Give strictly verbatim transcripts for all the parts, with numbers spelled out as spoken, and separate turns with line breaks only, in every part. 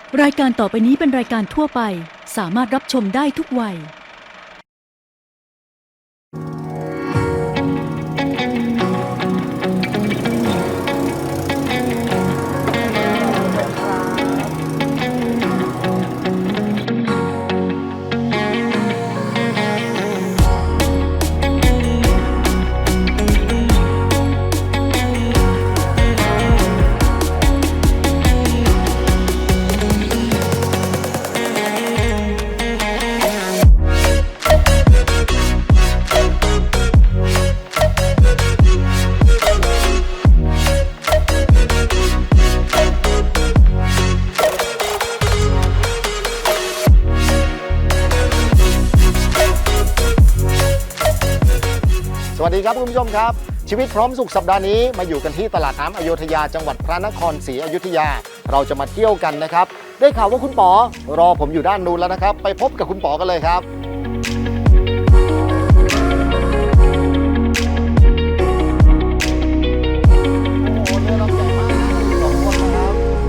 รายการต่อไปนี้เป็นรายการทั่วไปสามารถรับชมได้ทุกวัย
สวัสดีครับคุณผู้ชมครับชีวิตพร้อมสุขสัปดาห์นี้มาอยู่กันที่ตลาดน้ำอโยธยาจังหวัดพระนครศรีอยุธยาเราจะมาเที่ยวกันนะครับได้ข่าวว่าคุณป๋อรอผมอยู่ด้านนู้นแล้วนะครับไปพบกับคุณป๋อกันเลยครับโอ้โหเรือลำใหญ่มากสองคนนะครับ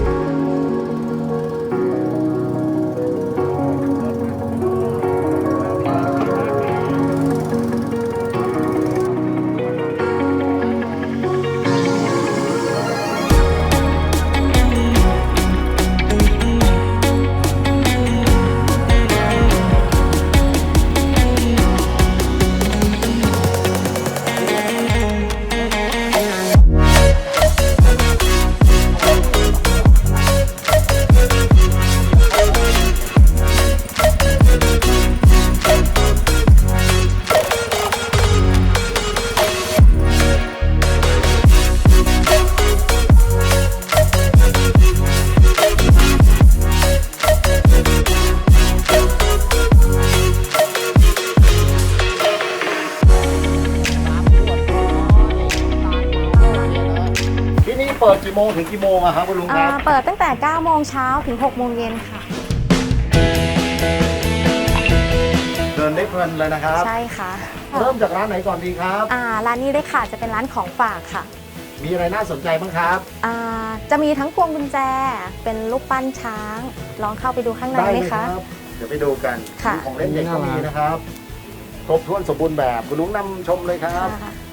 เปิดกี่โมงถึงกี่โมงอะครับคุณลุงครับ
เปิดตั้งแต่เก้าโมงเช้าถึงหกโมงเย็นค่ะ
เดินได้เพลินเลยนะครับ
ใช่ค่ะ
เริ่มจากร้านไหนก่อนดีครับ
อ่าร้านนี้เลยค่ะจะเป็นร้านของฝากค่ะ
มีอะไรน่าสนใจบ้างครับ
อ่าจะมีทั้งพวงกุญแจเป็นรูปปั้นช้างลองเข้าไปดูข้างในไหมคะ
เดี๋ยวไปดูกันของเล่นเด็กก็มีนะครับครบถ้วนสมบูรณ์แบบคุณลุงนำชมเลยครับ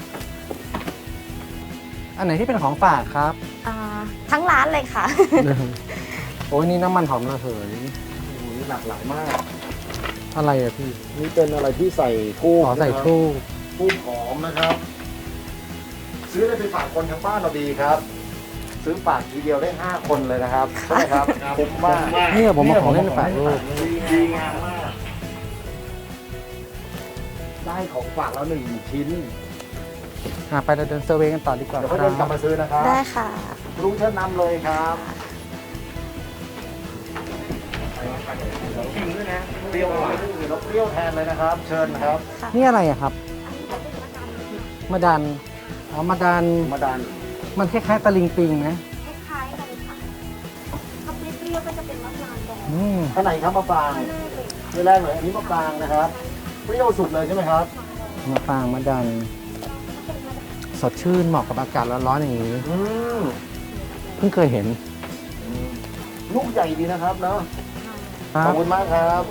อันไหนที่เป็นของฝากครับ
ทั้งร้านเลยค่ะ
โอ้ยนี่น้ำมันหอมระเหย
โอ้ยหลากหลายมาก
อะไรอะพี่
นี่เป็นอะไรที่ใส่ทูบ
ใส่ทูบ
ทูบหอมนะครับซื้อได้ไปฝากคนทั้งบ้านเราดีครับซื้อฝากทีเดียวได้ห้าคนเลยนะครับใช่ไหมครับคุ้มมาก
นี่ผมมาของเล่นฝากลูก
ดีงามมากได้ของฝากแล้วหนึ่งชิ้น
ไปเดินเซอร์เวย์กันต่อดีกว่า
เดี๋ยวก็เดินกลับมาซื้อนะครับ
ได้ค่ะ
ลุงเชิญนำเลยครับชิมด้วยนะเปรี้ยวหวานเราเปรี้ยวแทนเลยนะครับเชิญครับ
นี่อะไรอะครับมะดันอ๋อมะดัน
มะดัน
มันคล้ายๆตะลิงปิงนะ
คล้ายๆกันค่ะถ้าเปรี้ยวก็จะเป็นมะนาวแดง
ข้างในครับมะปรางเรื่องแรกเลยอันนี้มะปรางนะครับเปรี้ยวสุดเลยใช่ไหมครับ
มะปรางมะดันสดชื่นเหมาะกับอากาศร้อนๆอย่างนี้เพิ่งเคยเห็น
ลูกใหญ่ดีนะครับเนาะขอบคุณมากครับ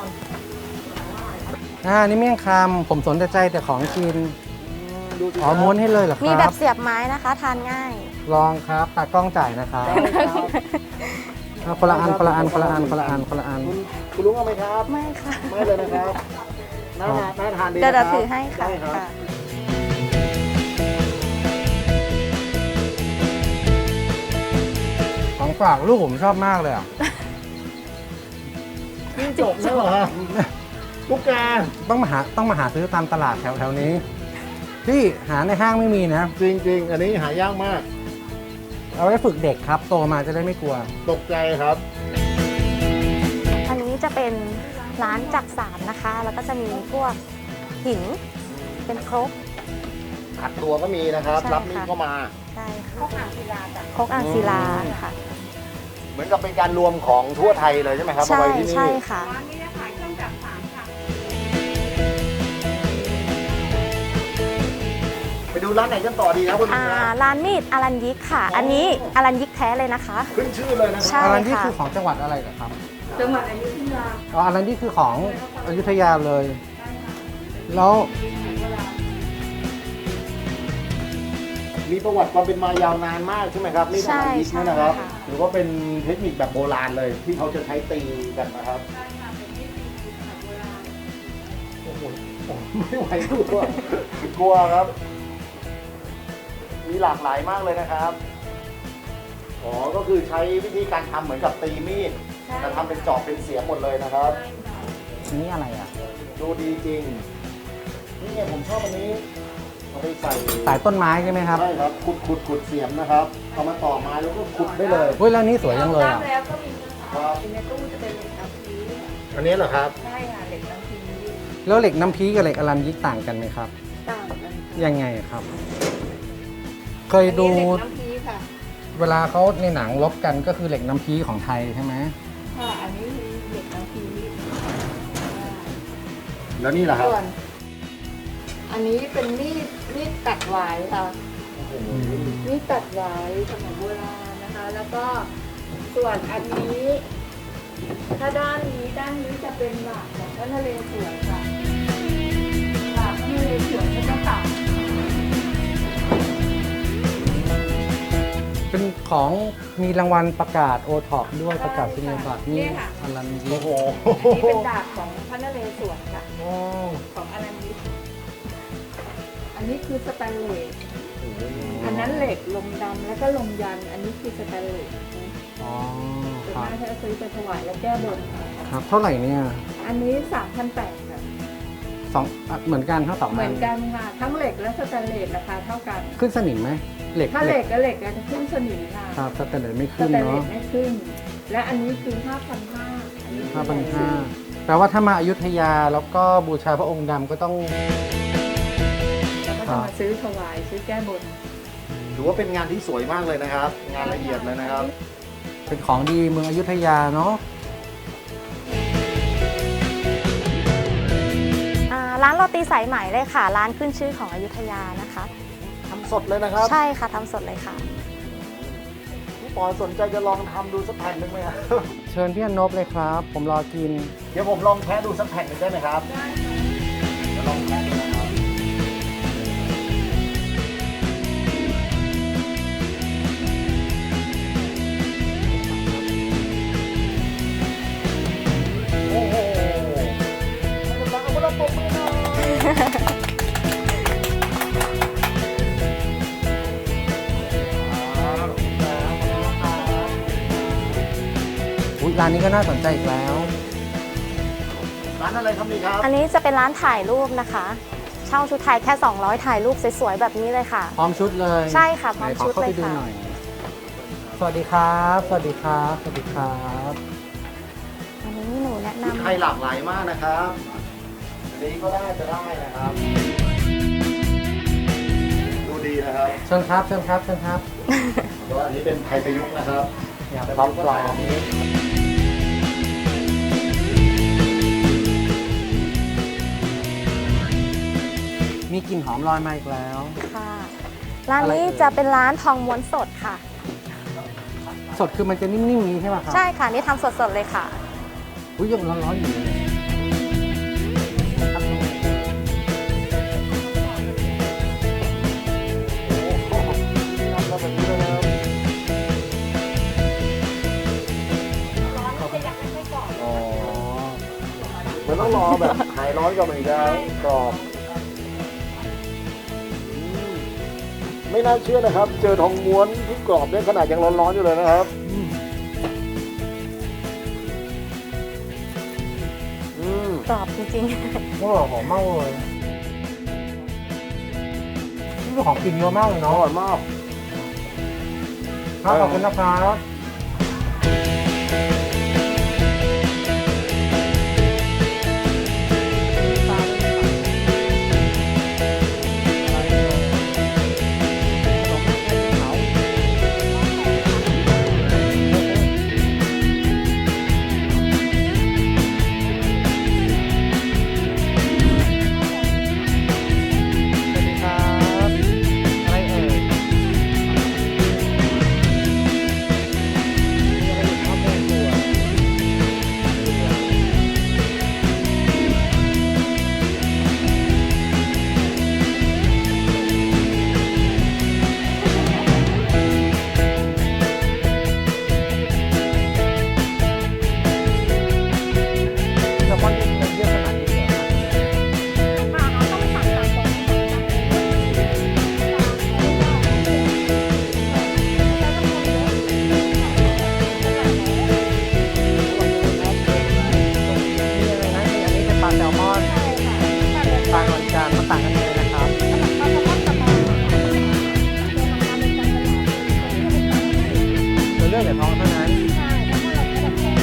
อ่านี่เมี่ยงคำผมสนใจแต่ของกินอ๋อม้วนให้เลยเหรอครับ
มีแบบเสียบไม้นะคะทานง่าย
ลองครับตากล้องจ่ายนะครับคนละอันคนละอันคนละอันคนละอันคนละอัน
คุณลุงเอาไหมครับ
ไม่ค่ะ
ไม่เลยนะครับน่าน่าทานดี
เดี๋ยวถือให้ค่ะ
ของฝากลูกผมชอบมากเลยอ่ะ
นี่จบแล้วเหรอลูกแก
ต้องมาหาต้องมาหาซื้อตามตลาดแถวแถวนี้ที่หาในห้างไม่มีนะ
จริงๆอันนี้หายากมาก
เอาไว้ฝึกเด็กครับโตมาจะได้ไม่กลัว
ตกใจครับ
อันนี้จะเป็นร้านจักสานนะคะแล้วก็จะมีพวกหินเป็นครก
ขัดตัวก็มีนะครับรับมีดก็มา
ใช่ค่ะครกอ่างศิลาจ้ะครกอ่างศิลาค่ะ
เหมือนกับเป็นการรวมของทั่วไทยเลยใช่ไหมครับ
ใช่ใช่ค่ะร้านนี้ขายเครื่องจักสานค่ะ
ไปดูร้านไหนกันต่อดีครับคุณลุ
อ่าง
นะ
ร้านมีดอารันยิกค่ะ
อ๋ออั
อันนี้อารันยิกแท้เลยนะคะ
ขึ้นชื่อเลยนะค
ใช่
รับ
อารันนี่
ค่ะ
คือของจังหวัดอะไรเหรอครับ
จังหวัดอยุธยา
อ๋ออารันนี่คือของอยุธยาเลย แล้ว
มีประวัติความเป็นมายาวนานมากใช่ไหมครับนี่
ใช่
ทำยิก
ใช่
นี่นะครับ
ค่ะ
หรือว่าเป็นเทคนิคแบบโบราณเลย ที่เขาจะใช้ตีกันนะครับโอ้โหโอ้โหไม่ไหวกลัวกลัวครับ มีหลากหลายมากเลยนะครับอ๋อก็คือใช้วิธีการทำเหมือนกับตีมีดแต่ทำเป็นจอบเป็นเสียมหมดเลยนะครับ
อันนี้อะไรอ่ะ
ดูดีจริง นี่ไงผมชอบอันนี้เอาไปใส่
สายต้นไม้ใช่ไหมครับ
ใช่ครับขุดขุดขุดเสียมนะครับเอามาต่อไม้แล้วก็ขุดได้เลย
เฮ้ยแล้วนี่สวยจังเลยอ่ะ
แล้วก็มี
ครับ
ในตู้จะเป็นเหล็กน้ำพี
อันนี้เหรอครับ
ใช่ค่ะเหล็กน้ำพี
แล้วเหล็กน้ำพีกับเหล็กอารันยิกต่างกันไหมครับ
ต่างกัน
ยังไงครับ เคยดู
อันนี้เหล็กน้ำพีค่ะ
เวลาเขาในหนังลบกันก็คือเหล็กน้ำพีของไทยใช่ไหม
ค่ะ อันนี้คือเหล็กน้ำพี
แล้วนี่เหรอครับ
ส่วน อันนี้เป็นมีดมีดตัดหวายค่ะ มีดตัดหวายสมัยโบราณนะคะ แล้วก็ส่วนอันนี้ ถ้าด้านนี้ด้านนี้จะเป็นหลากของพระนเรศวรค่ะหลากพระนเรศวรก็จะตัด
เป็นของมีรางวัลประกาศโอท็อปด้วยประกาศนียบัตรนี่
เนี่ยค่ะ
อารันยิ
โอ้
ก
โห
อันนี้เป็นดาบของพระนเรศวรค่ะ
โอ้
ของอนันยิกอันนี้คือสแตนเลส อันนั้นเหล็กลมดำแล้วก็ลมยัน อันนี้คือสแตนเลส
อ๋อ
ส่วน
ครับ
มากจะซื้อไปถวายแล้วแก้บนค่ะ
ครับ เท่าไหร่เนี่ย
อันนี้สามพันแปดค่ะ
สองอ่ะเหมือนกันทั้งสอง
เหมื
อั
อน นกันค่ะ ทั้งเหล็กและสแตนเลสราคาเท่ากัน
ขึ้นสนิมไหมเหล็ก
ถ้าเหล็กกับเหล็กจะขึ้นสนิมค่ะ
ครับสแตนเลสไม่
ส
ขึ้น
แตนเล
เนาะ
สไม่ขึ้น และอันนี้คือห้าพันห้าอันนี้
ห้าพันห้าแปลว่าถ้ามาอยุธยาแล้วก็บูชาพระองค์ดำก็ต้อง
แล้วก็จะมาซื้อถวายซื้อแก้บน
ถือว่าเป็นงานที่สวยมากเลยนะครับ งานละเอียดเลยนะครับ
เป็นของดีเมืองอยุธยาเนาะ
อ่าร้านโรตีสายไหมเลยค่ะ ร้านขึ้นชื่อของอยุธยานะคะ
ทำสดเลยนะครับ
ใช่ค่ะทำสดเลยค่ะ
พี่ปอสนใจจะลองทำดูสักแผ่นหนึ่งไหมครับ
เชิญพี่อนบเลยครับ ผมรอกิน
เดี๋ยวผมลองแพ้ดูสักแผ่นหนึ่งได้ไหมครับได้เดี๋ยวลองแพ้ดูนะครับโอ้โหให้กำลังเอาพวกเราปรบมือหน่อย
อุ๊ยร้านนี้ก็น่าสนใจอีกแล้ว
ร้านอะไรครับนี่ครับ
อันนี้จะเป็นร้านถ่ายรูปนะคะ เช่าชุดไทยแค่ สองร้อย ถ่ายรูปสวยๆแบบนี้เลยค่ะ
พร้อมชุดเลย
ใช่ค่ะพร้อม
ไหนข
ชุด
เข้า
เล
ไป
ย
ดู
ค่ะ
หน่อย สวัสดีครับ สวัสดีครับ สวัสดีครับ
อันนี้หนูแนะ
ชุด
นำ
ไทยหลากหลายมากนะครับอันนี้ก็ได้จะได้นะครับ ดูดีนะครับ
เชิญครับ เชิญครับ เชิญครับ
แต่ว่าอันนี้เป็นไทยประยุกต์นะครับ
อยาก
แต่
พร้อม
ก็
ปลอ
ถ่าย
ม
แบบนี้
มีกลิ่นหอมลอยมาอีกแล้ว
ค่ะ ร้านนี้จะเป็นร้านทองม้วนสดค่ะ
สดคือมันจะนิ่มๆอย่างนี้ใช่ไหมครับ
ใช่ค่ะ นี่ทำสดๆเลยค่ะ
อุ้ยยังร้อนๆอยู่เลยครับ
โอ้โหทำแล้วแบบนี้เลยนะครับอ๋อมันต้องรอแบบหายร้อนก่อนมันถึงจะกรอบอืมไม่น่าเชื่อนะครับ เจอทองม้วนที่กรอบเนี่ยขนาดยังร้อนๆอยู่เลยนะครับ อืม
กรอบจริง
โอ้หอมมากเลยนี่ของกินเยอะมากเลย
อ
เนาะ
ร่อยมาก
ครับขอบคุณนะครับสวัสดีครับท้องเท่านั้น
ใช่แล้วก็เราก็จะแพ้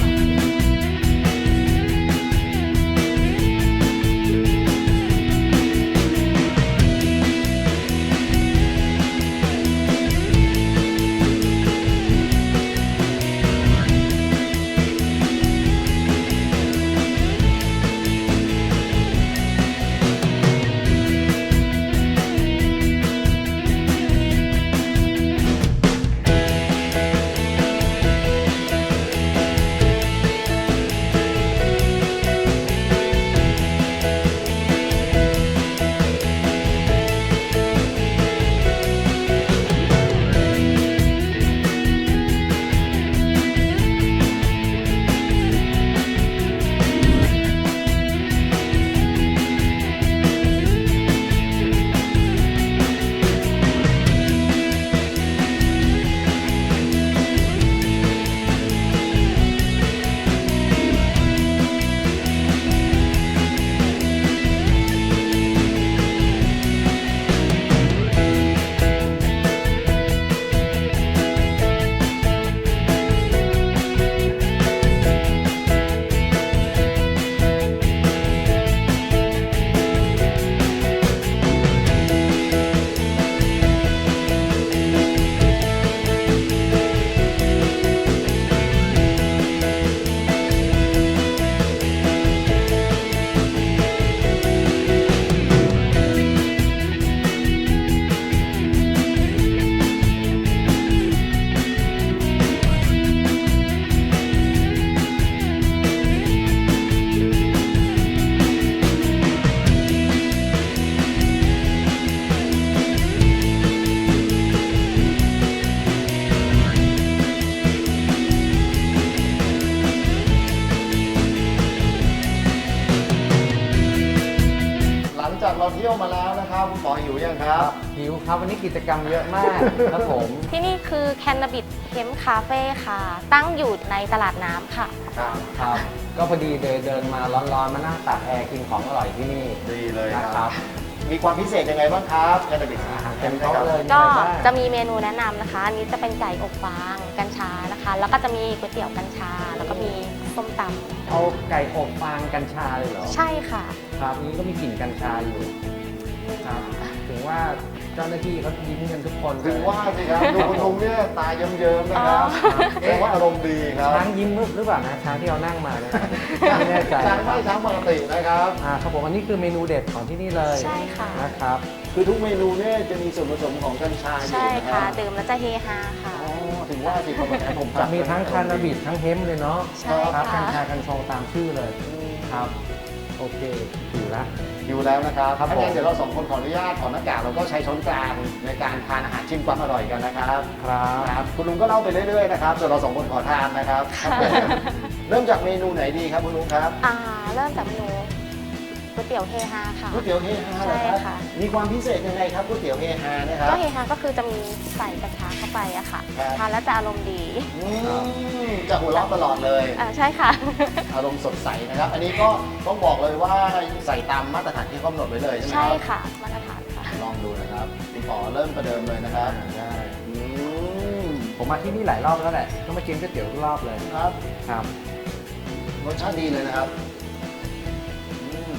เราเที่ยวมาแล้วนะครับคุณหมอหิวยังครับ
หิวครับวันนี้กิจกรรมเยอะมากครับผม
ที่นี่คือแคนนาบิดเฮมคาเฟ่ค่ะ ตั้งอยู่ในตลาดน้ำค่ะ
ครับ
ครับ ก็พอดีเดินเดินมาร้อนๆมานั่งตากแอร์กินของอร่อยที่นี่
ดีเลย
นะ
ค
ค
รั
รั
บบ มีความพิเศษยังไงบ้างครับแคนนาบิส
อาหารเต็มโต๊ะเลย
ก็
มีอะไรบ้าง
จะมีเมนูแนะนำนะคะ อันนี้จะเป็นไก่อบฟางกัญชานะคะ แล้วก็จะมีก๋วยเตี๋ยวกัญชา แล้วก็มีส้มต
เอาไก่อบฟางกัญชาเลยเหรอ
ำใช่ค่ะ
ครับนี้ก็มีกลิ่นกัญชาอยู่ครับ ถึงว่าเจ้าหน้าที่เขายิ้มกันทุกคนเลย
ถึงว่าสิครับดูคุณลุงเนี่ยตาเยิ้มๆนะครับ
อ๋อ
แปลว่าอารมณ์ดีครับ
ช้างยิ้มหรือเปล่านะช้างที่เรานั่งมาเนี่ยไม่แน่ใจ
ช้าง
นะค
ไม่
รับ
ช้างปกตินะครับ
อ่าครับผมอันนี้คือเมนูเด็ดของที่นี่เลย
ใช่ค่ะ
นะครับ
คือทุกเมนูเนี่ยจะมีส่วนผสมของกัญชาอยู่
ใช่
นะค
ค่ะ
รับ
ดื่มแล้วจะเฮฮาค่ะ
อ๋อถึงว่าสิครับวันนี้ผมจัด
มีทั้งคานาบิดทั้งเฮมป์เลยเนาะ
ใช่
ครับกั
ค่ะ
ญชากัญชงตามชื่อเลยครับ โอเคถือละ
อยู่แล้วนะครับ
ครับ
ถ้า
ผม
งั้นเดี๋ยวเราสองคนขออนุญาตถอดหน้ากากแล้วก็ใช้ช้อนกลางในการทานอาหารชิมความอร่อยกันนะครับ
ครับ
ครับคุณลุงก็เล่าไปเรื่อยๆนะครับส่วนเราสองคนขอทานนะครับครับผมเริ่มจากเมนูไหนดีครับคุณลุงครับ
อ่าเริ่มจากเมนูก๋วยเตี๋ยวเฮฮาค่ะ
ก๋วยเตี๋ยวเฮฮาเหรอค
ใช่
รับ
ค่ะ
มีความพิเศษยังไงครับก๋วยเตี๋ยวเฮฮานะครับ
ก็เฮฮาก็คือจะมีใส่กัญชาเข้าไปอะค่ะ
ครับ
ทานแล้วจะอารมณ์ดี
อืมจะหัวเราะตลอดเลย
อ่าใช่ค่ะ
อารมณ์สดใสนะครับ อันนี้ก็ต้องบอกเลยว่าใส่ตามมาตรฐานที่กำหนดไว้เลยใช่ไหมค
ใช่
รับ
ค่ะมาตรฐานค่ะ
ลองดูนะครับคุณป๋อเริ่มประเดิมเลยนะครับ
ได้
อืม
ผมมาที่นี่หลายรอบแล้วแหละก็มากินก๋วยเตี๋ยวทุกรอบเลย
ครับ
ครับ
รสชาติดีเลยนะครับอืม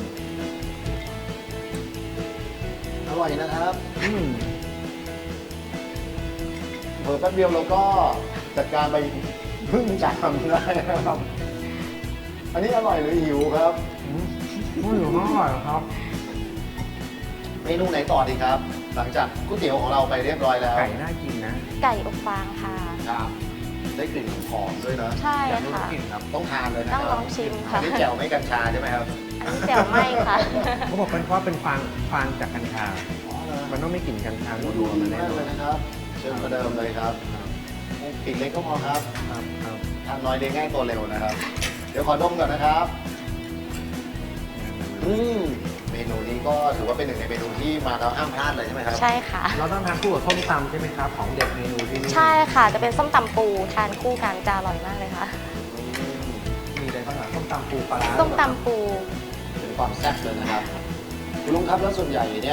อร่อยนะครับ
อืม
เพิ่แป๊บเดียวเราก็จัดการไปพึ่งจามได้นะครับ อันนี้อร่อยหรือหิวครับ
อืมอืมอร่อยครับ
เมนูไหนต่อดีครับ หลังจากก๋วยเตี๋ยวของเราไปเรียบร้อยแล้ว
ไก่น่ากินนะ
ไก่อบฟางค่ะ
ครับได้กลิ่นหอมด้วยนะ
ใช่
อยากรู้
ค่ะ
กลิ่นครับ
ต้องทานเลยนะค
ต้
รั
อบ งลองชิมค่ะ
อันนี้แจ่วไม่กัญชาใช่ไหมครับ
อันนี้แจ่วไหมค่ะ
เขาบอกเป็นเพราะเป็นฟางฟางจากกัญชา มันต้องไม่กลิ่นกัญชา
ดู
นั
ดู
วๆมาแน่
มาก
นอ
เล
น
ยนะครับ เชิญประเดิมเลยครับปีกเล็กก็พอครับ
ครับครับ
ทานน้อยเลี้ยงง่ายตัวเร็วนะครับ เดี๋ยวขอดมก่อนนะครับ อืมเมนูนี้ก็ถือว่าเป็นหนึ่งในเมนูที่มาแล้วห้ามพลาดเลยใช่ไหมครับ
ใช่ค่ะ
เราต้องทานคู่กับส้มตำใช่ไหมครับ ของเด็ดเมนูที่นี่
ใช่ค่ะ จะเป็นส้มตำปูทานคู่กันจะอร่อยมากเลยค่ะ
อืม
มีอะไรบ้างอ่ะส้มตำปูปลาร้า
ส้มตำปู
เป็นความแซ่บเลยนะครับคุณลุงครับแล้วส่วนใหญ่เนี่ย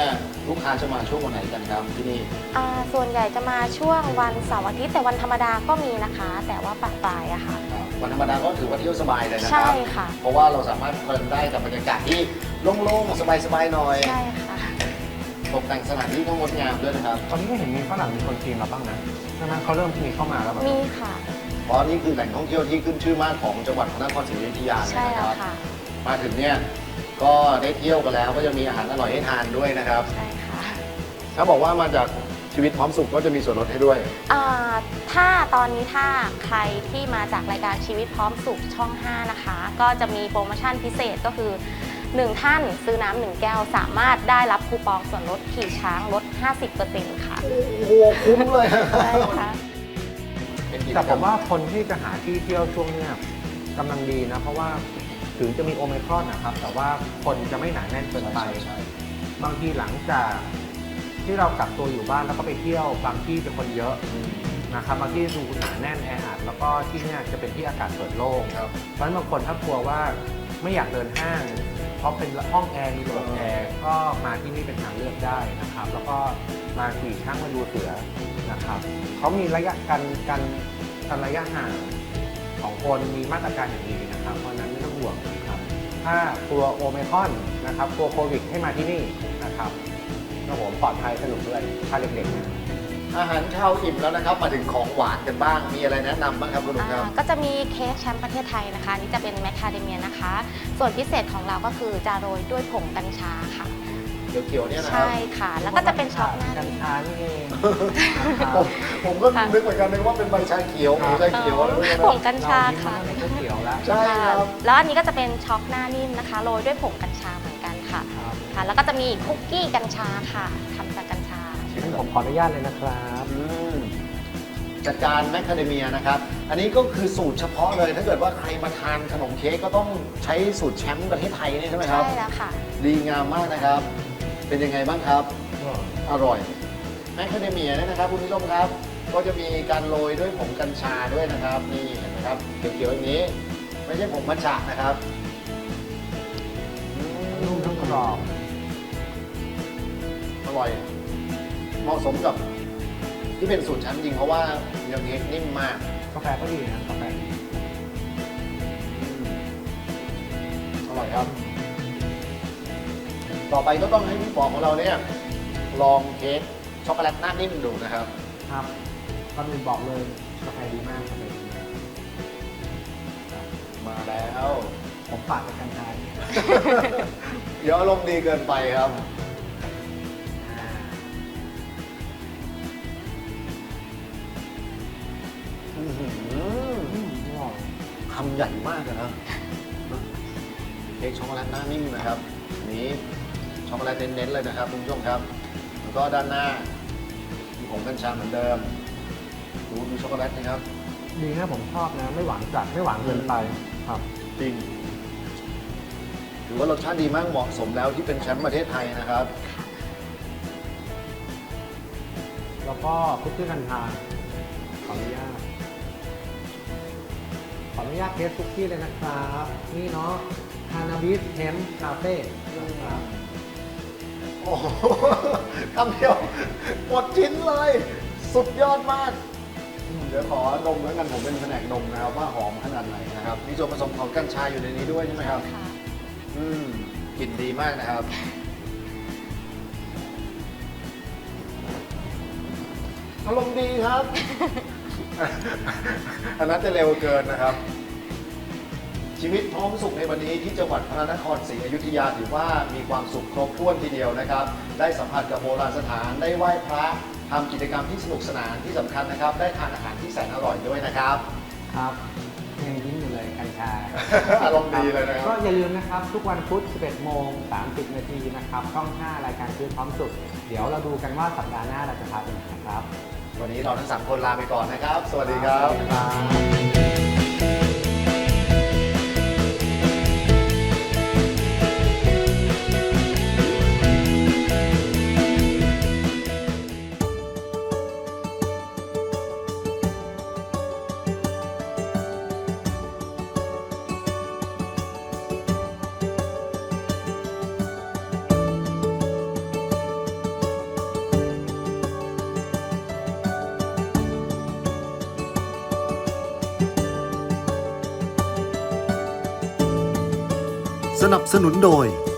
ลูกค้าจะมาช่วงวันไหนกันครับที่นี่
อ่าส่วนใหญ่จะมาช่วงวันเสาร์อาทิตย์แต่วันธรรมดาก็มีนะคะ แต่ว่าปะปลายอะค่ะ
วันธรรมดาก็ถือว่าเที่ยวสบายเลยนะค
ใช่
รับ
ค่ะ
เพราะว่าเราสามารถเพลินได้กับบรรยากาศที่โล่งๆสบายๆหน่อย
ใช่ค่ะ
ตกแต่งสถานที่ก็งดงามด้วยนะครับ
ตอนนี้ก็เห็นมีฝรั่งมีคนจีนเราบ้างนะใช่ไหมเขาเริ่มมีเข้ามาแล้วแบบ
มีค่ะ
เพราะนี่คือแหล่งท่องเที่ยวที่ขึ้นชื่อมากของจังหวัดพระนครศรีอยุธยาเลย
ใช่
นะค
แล้ว
รับ
ค่ะ
มาถึงเนี่ยก็ได้เที่ยวกันแล้วก็จะมีอาหารอร่อยให้ทานด้วยนะครับ
ใช่ค่ะ
ถ้าบอกว่ามาจากชีวิตพร้อมสุขก็จะมีส่วนลดให้ด้วย
อ่าถ้าตอนนี้ถ้าใครที่มาจากรายการชีวิตพร้อมสุขช่อง ห้า นะคะ ก็จะมีโปรโมชั่นพิเศษก็คือหนึ่งท่านซื้อน้ำหนึ่งแก้ว สามารถได้รับคูปองส่วนลดขี่ช้างลด ห้าสิบเปอร์เซ็นต์ ค่ะ
โอ้โหคุ้มเลย
ใช่ค่ะ
เป็นกิจ
แต่
ก
ผ
รร
มว่าคนที่จะหาที่เที่ยวช่วงเนี้ยกำลังดีนะ เพราะว่าถึงจะมีโอไมครอนนะครับ แต่ว่าคนจะไม่หนาแน่นเกินไป
ใช่ใช่
บางทีหลังจากที่เรากักตัวอยู่บ้านแล้วก็ไปเที่ยวบางที่เป็นคนเยอะนะครับบางที่ดูหนาแน่นแออัดแล้วก็ที่เนี่ยจะเป็นที่อากาศเปิดโล่ง
ครับ
เพราะฉะนั้นบางคนถ้ากลัวว่าไม่อยากเดินห้าง เพราะเป็นห้องแอร์มีระบบแอร์ก็มาที่นี่เป็นทางเลือกได้นะครับ แล้วก็มาขี่ช้างมาดูเสือนะครับเขามีระยะการการการระยะห่างของคนมีมาตรการอย่างดีนะครับ เพราะฉะนั้นไม่ต้องห่วงนะครับ ถ้ากลัวโอไมครอนนะครับกลัวโควิดให้มาที่นี่นะครับแล้วผมปลอดภัยสนุกด้วยถ้าเด็กๆนะ
อาหารเช้าอิ่มแล้วนะครับ มาถึงของหวานกันบ้าง มีอะไรแนะนำบ้างครับคุณลุงครับ
อ่าก็จะมีเค้กแชมป์ประเทศไทยนะคะอันนี่จะเป็นแมคคาเดเมียนะคะ ส่วนพิเศษของเราก็คือจะโรยด้วยผงกัญชาค่ะ
เขียวๆเนี่ยนะครับ
ใช่ค่ะ แล้วก็จะเป็นช็อกหน้า
กัญ
นิ่ม
ชานี่เอง
ผมผมก็
ค่ะ
นึกเหมือนกันเลยว่าเป็นใบชาเขียวหรือชาเขียวอะไรพวกนี้
ผ
นะ
งกัญชาค่ะ
เรายิ้มมันก็ไม่เขียวแล้ว
ใช่ครับ
แล้วอันนี้ก็จะเป็นช็อกหน้านิ่มนะคะ โรยด้วยผงกัญชาเหมือนกันค่ะ
ครับ
ค่ะ แล้วก็จะมีคุกกี้กัญชาค่ะทำจากกัญชา
งั้นผมขออนุญาตเลยนะครับ
อืมจัดการแมคคาเดเมียนะครับ อันนี้ก็คือสูตรเฉพาะเลย ถ้าเกิดว่าใครมาทานขนมเค้กก็ต้องใช้สูตรแชมป์ประเทศไทยนี่ใช่ไหมครับ
ใช่แล้วค่ะ
ดีงามมากนะครับ เป็นยังไงบ้างครับ อร่อยแมคคาเดเมียเนี่ยนะครับคุณผู้ชมครับ ก็จะมีการโรยด้วยผงกัญชาด้วยนะครับ นี่เห็นไหมครับเขียวๆอย่างนี้ ไม่ใช่ผงมัทฉะนะครับอืม
นุ่มทั้งกรอบ
อร่อย เหมาะสมกับที่เป็นสูตรชั้นจริงเพราะว่าเนื้อเค้กนิ่มมาก
กาแฟก็ดีนะกาแฟดี
อร่อยครับ ต่อไปก็ต้องให้พี่ปอของเราเนี่ยลองเค้กช็อกโกแลตหน้านิ่มดูนะครับ
ครับก่อนอื่นบอกเลยกาแฟดีมากกาแฟดีมาก
มาแล้ว
ผมปาดจากกัญชาเนี่ย
เดี๋ยวอารมณ์ดีเกินไปครับ
อ่า
อื้อหือ
อืมอร่อย
คำใหญ่มากเลยนะเค้กช็อกโกแลตหน้านิ่มนะครับอันนี้ช็อกโกแลตเน้นๆเลยนะครับคุณผู้ชมครับ แล้วก็ด้านหน้ามีผงกัญชาเหมือนเดิมดูดูช็อกโกแลตนะครับ
ดีนะผมชอบนะ ไม่หวานจัดไม่หวานเกินไปครับ
จริงถือว่ารสชาติดีมากเหมาะสมแล้วที่เป็นแชมป์ประเทศไทยนะครับ
แล้วก็คุกกี้กัญชาขออนุญาตขออนุญาตเทสคุกกี้เลยนะครับ นี่เนาะคานาบิสเฮมคาเฟ่นะครับ
โอ้โหคำเดียวหมดชิ้นเลย สุดยอดมาก เดี๋ยวขอนมแล้วกันผมเป็นแผนกนมนะครับว่าหอมขนาดไหนนะครับมีส่วนผสมของกัญชาอยู่ในนี้ด้วยใช่ไหมครับ
ค่ะ
อืมกลิ่นดีมากนะครับ อารมณ์ดีครับ อันนั้นจะเร็วเกินนะครับ ชีวิตพร้อมสุขในวันนี้ที่จังหวัดพระนครศรีอยุธยาถือว่ามีความสุขครบถ้วนทีเดียวนะครับ ได้สัมผัสกับโบราณสถานได้ไหว้พระทำกิจกรรมที่สนุกสนานที่สำคัญนะครับ ได้ทานอาหารที่แสนอร่อยด้วยนะครับ
ครับยังยิ้มอยู่เลยกัญชา
อารมณ์ดีเลยนะครับ
ก็อย่าลืมนะครับ ทุกวันพุธ สิบเอ็ดโมงสามสิบ นาทีนะครับช่อง ห้า รายการชีวิตพร้อมสุข เดี๋ยวเราดูกันว่าสัปดาห์หน้าเราจะพาไปไหนนะครับ
วันนี้เราทั้งสามคนลาไปก่อนนะครับ สวัสดีครับ
สวัสดีครับ
สนับสนุนโดย